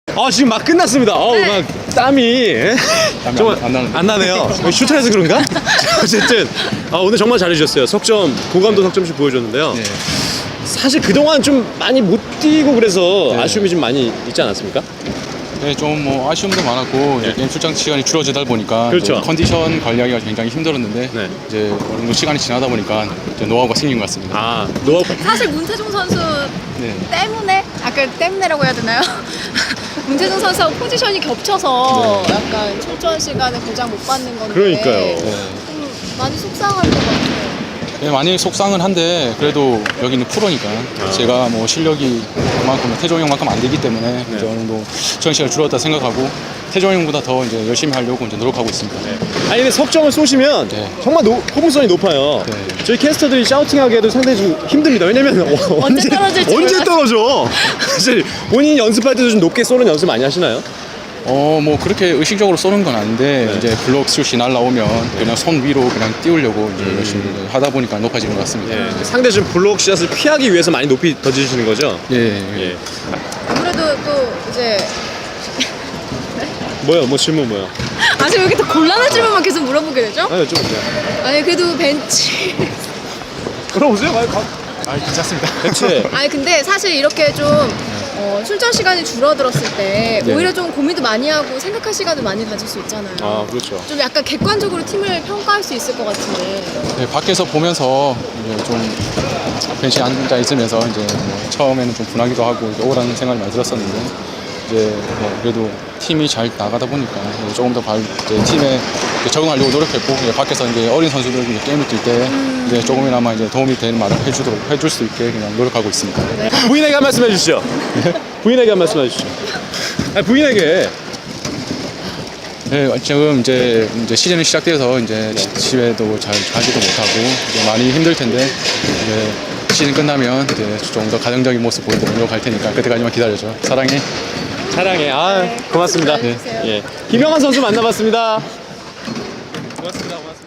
아 지금 막 끝났습니다. 어우 네. 막 땀이 정말 안 나네요. 슈터에서 그런가? 어쨌든 오늘 정말 잘해주셨어요. 석점 고감도 석점씩 보여줬는데요. 네. 사실 그동안 좀 많이 못 뛰고 그래서 네. 아쉬움이 좀 많이 있지 않았습니까? 네, 좀 뭐 아쉬움도 많았고 네. 게임 출장 시간이 줄어지다 보니까 그렇죠. 또 컨디션 관리하기가 굉장히 힘들었는데 네. 이제 어느 정도 시간이 지나다 보니까 이제 노하우가 생긴 것 같습니다. 아 노하우 사실 문태종 선수 네. 때문에 때문에라고 해야 되나요? 문태종 선수하고 포지션이 겹쳐서 약간 출전 시간에 보장 못 받는 건데 그러니까요. 네. 좀 많이 속상할 것 같아요. 네, 많이 속상은 한데 그래도 여기는 프로니까 제가 뭐 실력이 그만큼 태종 형만큼 안 되기 때문에 이제 어느 정도 출전 시간이 줄었다 생각하고 태종 형보다 더 이제 열심히 하려고 이제 노력하고 있습니다. 아니 근데 석점을 쏘시면 네. 정말 포문성이 높아요. 네. 저희 캐스터들이 샤우팅하기에도 상당히 좀 힘듭니다. 왜냐면 언제 떨어질지 언제 몰라서. 떨어져? 사실 본인이 연습할 때도 좀 높게 쏘는 연습 많이 하시나요? 뭐 그렇게 의식적으로 쏘는 건 아닌데 네. 이제 블록 슛이 날라오면 그냥 손 위로 그냥 띄우려고 이제 열심히 하다 보니까 높아지는 것 같습니다. 상대 좀 블록 샷을 피하기 위해서 많이 높이 던지시는 거죠? 예. 아무래도 또 이제 뭐요? 뭐 질문 뭐요? 아직 왜 이렇게 또 곤란한 질문만 계속 물어보게 되죠? 아니 여쭤보세요. 아니 그래도 벤치 물어보세요. 괜찮습니다. 대체 아니 근데 사실 이렇게 좀 출전 시간이 줄어들었을 때 네. 오히려 좀 고민도 많이 하고 생각할 시간을 많이 가질 수 있잖아요. 아 그렇죠. 좀 약간 객관적으로 팀을 평가할 수 있을 것 같은데. 네, 밖에서 보면서 이제 좀 벤치에 앉아 있으면서 이제 뭐 처음에는 좀 분하기도 하고 이제 억울한 생각이 많이 들었었는데 이제 뭐 그래도 팀이 잘 나가다 보니까 이제 조금 더 이제 팀에 이제 적응하려고 노력했고 이제 밖에서 이제 어린 선수들 이제 게임을 뛸 때 이제 조금이나마 이제 도움이 되는 말을 해줄 수 있게 그냥 노력하고 있습니다. 부인에게 한 말씀 해주시죠. 부인에게 한 말씀 해주시죠. 아니 부인에게 네, 지금 이제 시즌이 시작돼서 이제 집에도 잘 가지도 못하고 이제 많이 힘들 텐데 이제 시즌 끝나면 이제 좀 더 가정적인 모습 보이도록 노력할 테니까 그때까지만 기다려줘. 사랑해. 사랑해. 고맙습니다. 네. 예. 김영환 선수 만나봤습니다. 고맙습니다.